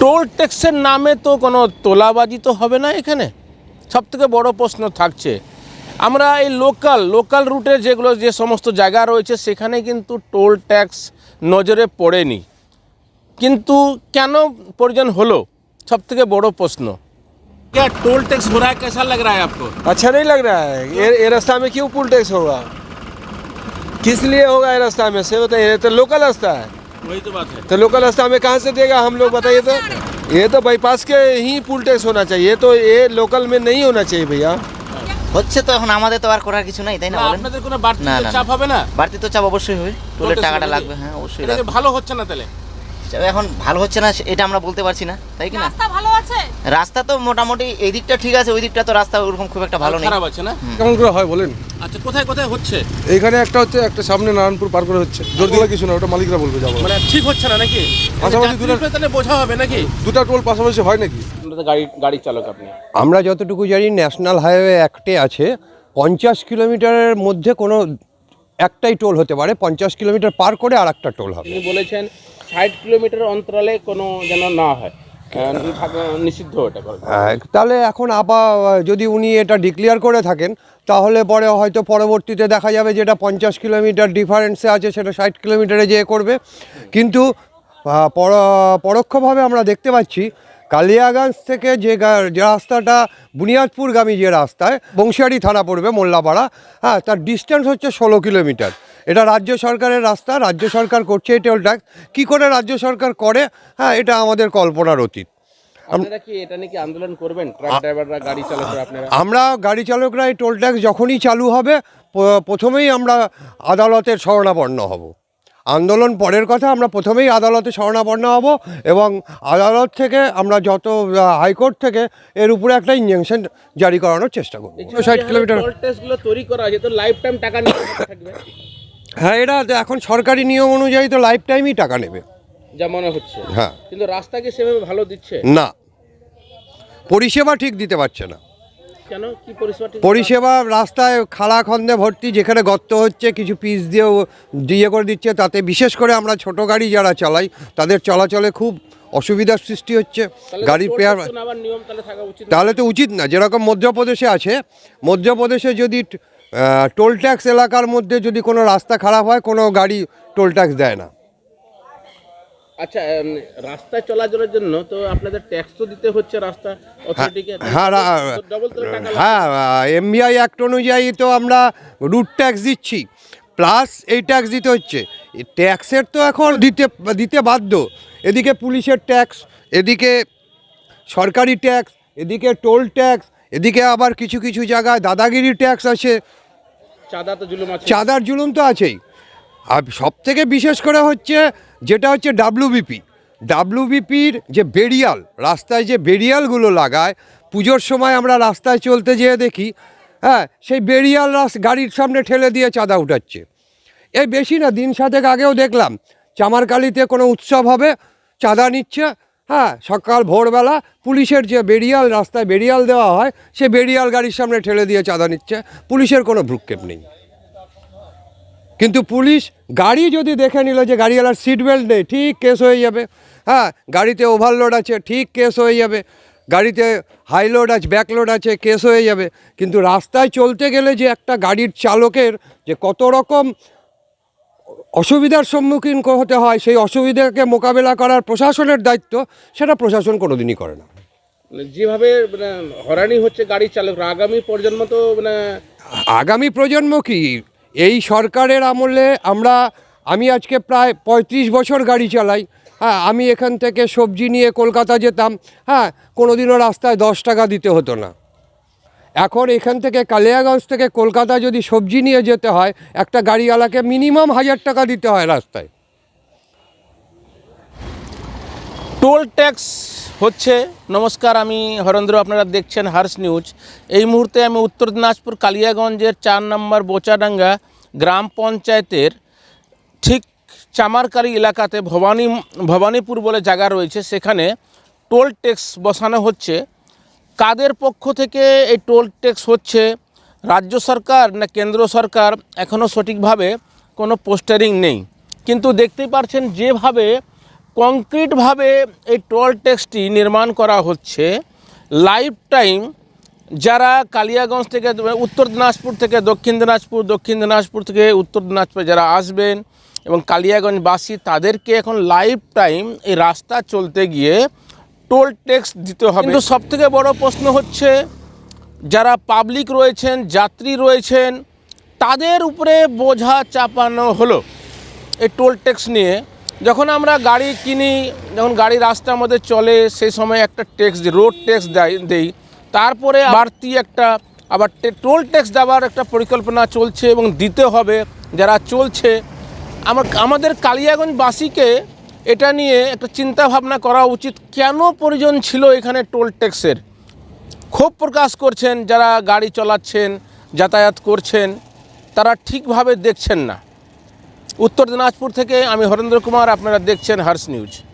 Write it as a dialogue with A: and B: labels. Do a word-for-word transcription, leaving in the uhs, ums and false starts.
A: Toll ট্যাক্সের নামে তো কোনো তোলাবাজি তো হবে না এখানে, সবথেকে বড় প্রশ্ন থাকছে। আমরা এই লোকাল লোকাল রুটে যেগুলো যে সমস্ত জায়গা রয়েছে সেখানে কিন্তু টোল ট্যাক্স নজরে পড়েনি, কিন্তু কেন প্রয়োজন হলো सबसे बड़ो प्रश्न। क्या टोल टैक्स हो रहा है, कैसा लग रहा है आपको?
B: अच्छा नहीं लग रहा है। ये, ये रास्ता में क्यों टोल टैक्स होगा, किस लिए होगा ये रास्ता में से बताइए। तो लोकल रास्ता है,
A: वही तो बात है।
B: तो लोकल रास्ता में कहाँ से देगा हम लोग बताइए। तो ये तो बाईपास के ही टोल टैक्स होना चाहिए, तो ये लोकल में नहीं होना चाहिए भैया।
C: হচ্ছে তো এখন আমাদের তো আর করার কিছু নাই, তাই না বলেন?
A: আপনাদের কোনো বাড়তি চাপ হবে না?
C: বাড়তি তো চাপ অবশ্যই হবে, টোলের টাকাটা লাগবে। হ্যাঁ অবশ্যই লাগবে।
A: ভালো হচ্ছে না তাহলে?
C: এখন ভালো হচ্ছে না এটা আমরা বলতে পারছি না, তাই কি না?
D: রাস্তা ভালো আছে,
C: রাস্তা তো মোটামুটি এই দিকটা ঠিক আছে, ওই দিকটা তো রাস্তা ওরকম খুব একটা ভালো নেই,
A: খারাপ আছে না।
B: কেমন করে হয় বলেন?
A: আচ্ছা কোথায় কোথায় হচ্ছে?
B: এইখানে একটা হচ্ছে, একটা সামনে নারায়ণপুর পার করে হচ্ছে, জোরদোলা কিছু না, ওটা মালিকরা বলবে যাবো।
A: মানে ঠিক হচ্ছে না নাকি?
B: পাশাপাশি দুটো
A: তাহলে বোঝা হবে নাকি?
B: দুটো টোল পাশাপাশি হয় নাকি?
A: গাড়ি গাড়ি চালক আপনি,
E: আমরা যতটুকু জানি ন্যাশনাল হাইওয়ে অ্যাক্টে আছে পঞ্চাশ কিলোমিটারের মধ্যে কোনো একটাই টোল হতে পারে, পঞ্চাশ কিলোমিটার পার করে আর একটা টোল হবে।
A: তিনি বলেছেন ষাট কিলোমিটার অন্তরালে কোনো যেন না হয়, নিষিদ্ধ ওটা করে।
E: তাহলে এখন আবার যদি উনি এটা ডিক্লেয়ার করে থাকেন তাহলে পরে হয়তো পরবর্তীতে দেখা যাবে যেটা পঞ্চাশ কিলোমিটার ডিফারেন্সে আছে সেটা ষাট কিলোমিটারে যেয়ে করবে। কিন্তু পরোক্ষভাবে আমরা দেখতে পাচ্ছি কালিয়াগঞ্জ থেকে যে যে রাস্তাটা বুনিয়াদপুরগামী যে রাস্তায় বংশিয়ারি থানা পড়বে মোল্লাপাড়া, হ্যাঁ তার ডিস্টেন্স হচ্ছে ষোলো কিলোমিটার। এটা রাজ্য সরকারের রাস্তা, রাজ্য সরকার করছে এই টোল ট্যাক্স। কী করে রাজ্য সরকার করে, হ্যাঁ এটা আমাদের কল্পনার অতীত।
A: আপনারা কি এটা নিয়ে কি আন্দোলন করবেন, ট্রাক ড্রাইভাররা, গাড়ি চালকরা? আপনারা?
E: আমরা গাড়ি চালকরা এই টোল ট্যাক্স যখনই চালু হবে প্রথমেই আমরা আদালতের শরণাপন্ন হব। আন্দোলন পরের কথা, আমরা প্রথমেই আদালতে শরণাপন্ন হব এবং আদালত থেকে আমরা যত হাইকোর্ট থেকে এর উপরে একটা ইনজাংশন জারি করানোর চেষ্টা করব। ষাট কিলোমিটার
A: টোল ট্যাক্সগুলো তৈরি করা আছে তো লাইফ টাইম টাকা নিয়ে থাকবে?
E: হ্যাঁ এটা এখন সরকারি নিয়ম অনুযায়ী তো লাইফ টাইমই টাকা নেবে
A: যা মনে হচ্ছে।
E: হ্যাঁ,
A: কিন্তু রাস্তা কি সেভাবে ভালো দিচ্ছে
E: না, পরিষেবা ঠিক দিতে পারছে না।
A: কেন, কি পরিষেবা?
E: পরিষেবা রাস্তায় খাড়া খন্দে ভর্তি, যেখানে গর্ত হচ্ছে কিছু পিচ দিয়েও দিয়ে করে দিচ্ছে, তাতে বিশেষ করে আমরা ছোট গাড়ি যারা চালাই তাদের চলাচলে খুব অসুবিধার সৃষ্টি হচ্ছে। গাড়ির পেয়ার তাহলে তো উচিত না। যেরকম মধ্যপ্রদেশে আছে, মধ্যপ্রদেশে যদি টোল ট্যাক্স এলাকার মধ্যে যদি কোনো রাস্তা খারাপ হয় কোনো গাড়ি টোল ট্যাক্স দেয় না।
A: আচ্ছা, রাস্তায় চলাচলের জন্য তো আপনাদের ট্যাক্স তো দিতে হচ্ছে রাস্তা অথরিটিকে।
E: হ্যাঁ হ্যাঁ, এমবিআই অ্যাক্ট অনুযায়ী তো আমরা রুট ট্যাক্স দিচ্ছি, প্লাস এই ট্যাক্স দিতে হচ্ছে। ট্যাক্সের তো এখন দিতে দিতে বাধ্য। এদিকে পুলিশের ট্যাক্স, এদিকে সরকারি ট্যাক্স, এদিকে টোল ট্যাক্স, এদিকে আবার কিছু কিছু জায়গায় দাদাগিরি ট্যাক্স আছে,
A: চাঁদা তো জুলুম আছে,
E: চাঁদার জুলুম তো আছেই। আর সব থেকে বিশেষ করে হচ্ছে যেটা হচ্ছে ডাব্লিউবিপি, ডাব্লিউবিপির যে বেরিয়াল, রাস্তায় যে বেরিয়ালগুলো লাগায়, পুজোর সময় আমরা রাস্তায় চলতে যেয়ে দেখি, হ্যাঁ সেই বেরিয়াল গাড়ির সামনে ঠেলে দিয়ে চাঁদা উঠাচ্ছে। এই বেশি না, দিন সাতেক আগেও দেখলাম চামারকালিতে কোনো উৎসব হবে, চাঁদা নিচ্ছে, হ্যাঁ সকাল ভোরবেলা পুলিশের যে বেরিয়াল, রাস্তায় বেরিয়াল দেওয়া হয় সে বেরিয়াল গাড়ির সামনে ঠেলে দিয়ে চাঁদা নিচ্ছে। পুলিশের কোনো ভ্রুক্ষেপ নেই, কিন্তু পুলিশ গাড়ি যদি দেখে নিল যে গাড়িওয়ালার সিট বেল্ট নেই, ঠিক কেস হয়ে যাবে। হ্যাঁ গাড়িতে ওভারলোড আছে, ঠিক কেস হয়ে যাবে। গাড়িতে হাইলোড আছে, ব্যাকলোড আছে, কেস হয়ে যাবে। কিন্তু রাস্তায় চলতে গেলে যে একটা গাড়ির চালকের যে কত রকম অসুবিধার সম্মুখীন হতে হয়, সেই অসুবিধাকে মোকাবেলা করার প্রশাসনের দায়িত্ব, সেটা প্রশাসন কোনোদিনই করে না।
A: যেভাবে মানে হয়রানি হচ্ছে গাড়ি চালকরা, আগামী প্রজন্ম তো মানে
E: আগামী প্রজন্ম কি, এই সরকারের আমলে আমরা, আমি আজকে প্রায় পঁয়ত্রিশ বছর গাড়ি চালাই। হ্যাঁ আমি এখান থেকে সবজি নিয়ে কলকাতা যেতাম, হ্যাঁ কোনো দিনও রাস্তায় দশ টাকা দিতে হতো না। এখন এখান থেকে কালিয়াগঞ্জ থেকে কলকাতা যদি সবজি নিয়ে যেতে হয় একটা গাড়িওয়ালাকে মিনিমাম হাজার টাকা দিতে হয় রাস্তায়।
A: টোল ট্যাক্স হচ্ছে। নমস্কার, আমি হরেন্দ্র, আপনারা দেখছেন হার্স নিউজ। এই মুহূর্তে আমি উত্তর দিনাজপুর কালিয়াগঞ্জের চার নম্বর বোচাডাঙ্গা গ্রাম পঞ্চায়েতের ঠিক চামারকালি এলাকাতে ভবানী ভবানীপুর বলে জায়গা রয়েছে, সেখানে টোল ট্যাক্স বসানো হচ্ছে। কাদের পক্ষ থেকে এই টোল ট্যাক্স হচ্ছে, রাজ্য সরকার না কেন্দ্র সরকার, এখনও সঠিকভাবে কোনো পোস্টারিং নেই। কিন্তু দেখতেই পাচ্ছেন যেভাবে কংক্রিটভাবে এই টোল ট্যাক্সটি নির্মাণ করা হচ্ছে লাইফ টাইম যারা কালিয়াগঞ্জ থেকে উত্তর দিনাজপুর থেকে দক্ষিণ দিনাজপুর দক্ষিণ দিনাজপুর থেকে উত্তর দিনাজপুর যারা আসবেন এবং কালিয়াগঞ্জবাসী তাদেরকে এখন লাইফ টাইম এই রাস্তা চলতে গিয়ে টোল ট্যাক্স দিতে হবে। কিন্তু সবথেকে বড় প্রশ্ন হচ্ছে যারা পাবলিক রয়েছেন যাত্রী রয়েছেন তাদের উপরে বোঝা চাপানো হলো এই টোল ট্যাক্স নিয়ে। যখন আমরা গাড়ি কিনি, যখন গাড়ি রাস্তার মধ্যে চলে সেই সময় একটা ট্যাক্স দিই, রোড ট্যাক্স দেই, তারপরে বাড়তি একটা আবার টোল ট্যাক্স দেওয়ার একটা পরিকল্পনা চলছে এবং দিতে হবে যারা চলছে। আমার আমাদের কালিয়াগঞ্জবাসীকে এটা নিয়ে একটা চিন্তা ভাবনা করা উচিত, কেন প্রয়োজন ছিল এখানে টোল ট্যাক্সের। ক্ষোভ প্রকাশ করছেন যারা গাড়ি চালাচ্ছেন যাতায়াত করছেন, তারা ঠিকভাবে দেখছেন না। উত্তর দিনাজপুর থেকে আমি হরেন্দ্র কুমার, আপনারা দেখছেন হার্স নিউজ।